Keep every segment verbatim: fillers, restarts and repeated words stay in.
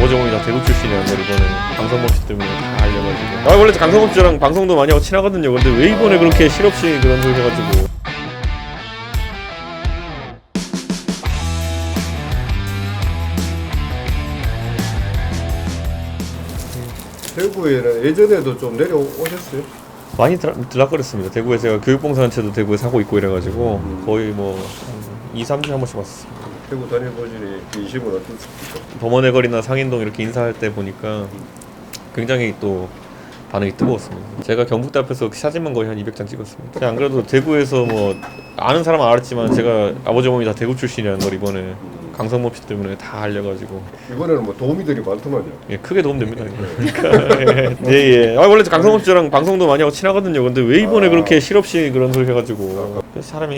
아버지 어머니 다 대구 출신이라는 걸 이번에 강성범 씨 때문에 다 알려가지고. 아 원래 강성범 씨랑 방송도 많이 하고 친하거든요. 근데 왜 이번에 그렇게 실없이 그런 소리 해가지고. 대구에는 예전에도 좀 내려오셨어요? 많이 들, 들락거렸습니다. 대구에 제가 교육봉사단체도 대구에 사고 있고 이래가지고 음. 거의 뭐 이, 삼 주에 한 번씩 왔어요. 대구 다녀보시니 인심은 어떻습니까? 범원의 거리나 상인동 이렇게 인사할 때 보니까 굉장히 또 반응이 뜨거웠습니다. 제가 경북대 앞에서 사진만 거의 한 이백 장 찍었습니다. 제가 안 그래도 대구에서 뭐 아는 사람은 알았지만 제가 아버지 어머니 다 대구 출신이라는 걸 이번에 강성범 씨 때문에 다 알려가지고 이번에는 뭐 도우미들이 많더만요. 예, 크게 도움됩니다. 그러니까 예, 예. 아 원래 강성범 씨랑 방송도 많이 하고 친하거든요. 근데 왜 이번에 아. 그렇게 실없이 그런 소리 해가지고 사람이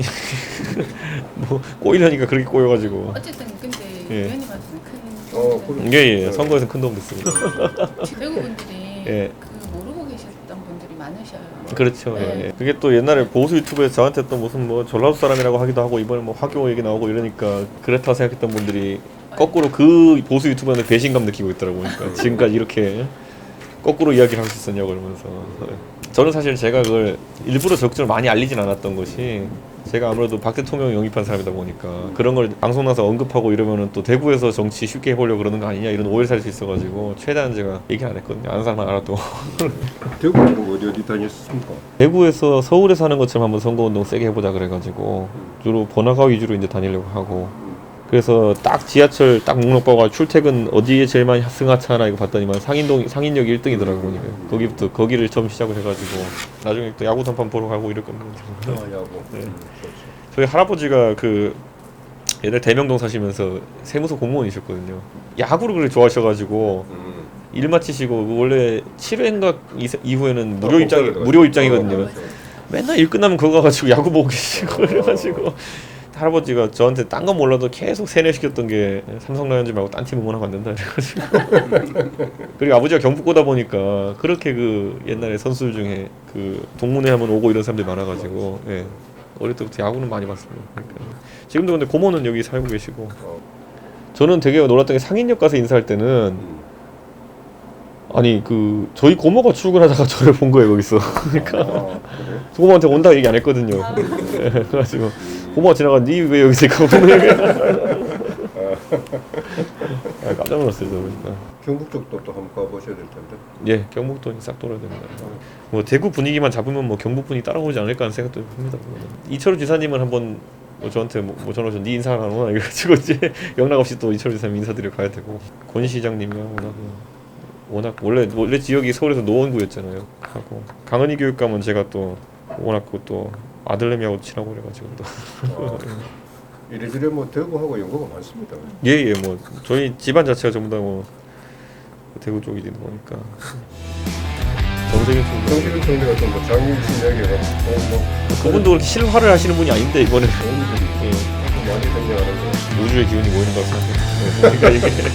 뭐 꼬이려니까 그렇게 꼬여가지고 어쨌든 근데 예. 의원님한테는 큰 어, 도움이 그래. 됐어요. 예예 선거에서 큰 도움 됐습니다. 대구 분들이 예. 그 모르고 계셨던 분들이 많으셔요. 그렇죠. 예, 네. 예. 그게 또 옛날에 보수 유튜브에서 저한테 또 무슨 뭐 전라도 사람이라고 하기도 하고 이번에 뭐 화교 얘기 나오고 이러니까 그렇다 생각했던 분들이 거꾸로 그 보수 유튜버한테 배신감 느끼고 있더라고요. 그러니까 지금까지 이렇게 거꾸로 이야기를 할 수 있었냐고 그러면서. 저는 사실 제가 그걸 일부러 적극적으로 많이 알리진 않았던 것이 제가 아무래도 박 대통령 영입한 사람이다 보니까 그런 걸 방송 나서 언급하고 이러면은 또 대구에서 정치 쉽게 해보려고 그러는 거 아니냐 이런 오해를 살 수 있어가지고 최대한 제가 얘기 안 했거든요. 아는 사람만 알아도. 대구는 어디 어디 다녔습니까? 대구에서 서울에 사는 것처럼 한번 선거운동 세게 해보자 그래가지고 주로 번화가 위주로 이제 다니려고 하고 그래서 딱 지하철 딱 목록 보고 출퇴근 어디에 제일 많이 승하차나 이거 봤더니만 상인동 상인역이 일 등이더라고요. 보니까 거기부터 거기를 처음 시작을 해가지고 나중에 또 야구 단판 보러 가고 이럴 겁니다. 아, 야구. 네. 음, 좋죠. 저희 할아버지가 그 옛날 대명동 사시면서 세무서 공무원이셨거든요. 야구를 그렇게 좋아하셔가지고 음. 일 마치시고 그 원래 칠 회인가 이후에는 무료 아, 입장 복사를 무료 해가지고. 입장이거든요. 어, 맨날 일 끝나면 그거 가지고 야구 보고 계시고 그래가지고 할아버지가 저한테 딴 건 몰라도 계속 세뇌시켰던 게 삼성 라이온즈 말고 딴 팀 응원하면 안 된다 그래가지고 그리고 아버지가 경북고다 보니까 그렇게 그 옛날에 선수들 중에 그 동문회 하면 오고 이런 사람들이 많아가지고 예. 어릴 때부터 야구는 많이 봤습니다. 그러니까. 지금도 근데 고모는 여기 살고 계시고 어. 저는 되게 놀랐던 게 상인역 가서 인사할 때는 음. 아니 그 저희 고모가 출근하다가 저를 본 거예요 거기서. 그러니까 아, 그래? 고모한테 온다 얘기 안 했거든요. 예, 그래가지고 고모가 지나가 니 왜 여기 있을까 보면 아, 깜짝 놀랐어요 저 보니까. 경북 쪽도 또 한번 가보셔야 될 텐데. 예, 경북도 싹 돌아야 됩니다. 뭐 대구 분위기만 잡으면 뭐 경북 분이 따라오지 않을까 하는 생각도 듭니다. 이철우 지사님은 한번 뭐 저한테 뭐, 뭐 전화 오셔 니 인사 안 하나 이래가지고 이제 영락 없이 또 이철우 지사님 인사드려 가야 되고 권 시장님이야 워낙 워낙 원래 원래 지역이 서울에서 노원구였잖아요. 하고 강은희 교육감은 제가 또 워낙 그또 아들내미하고 친하고 그래가지고 또 아, 이래저래 뭐 대구하고 연고가 많습니다. 예예 뭐 저희 집안 자체가 전부 다 뭐 대구 쪽이다 보니까 정세균 총리 정기준 총리가 좀뭐 장윤신 얘기가 뭐, 뭐 그분도 그렇게 실화를 하시는 분이 아닌데 이번에 도움들이 예, 많이 생겨가는 거. 우주의 기운이 모이는 것 같습니다. 그러니까 이게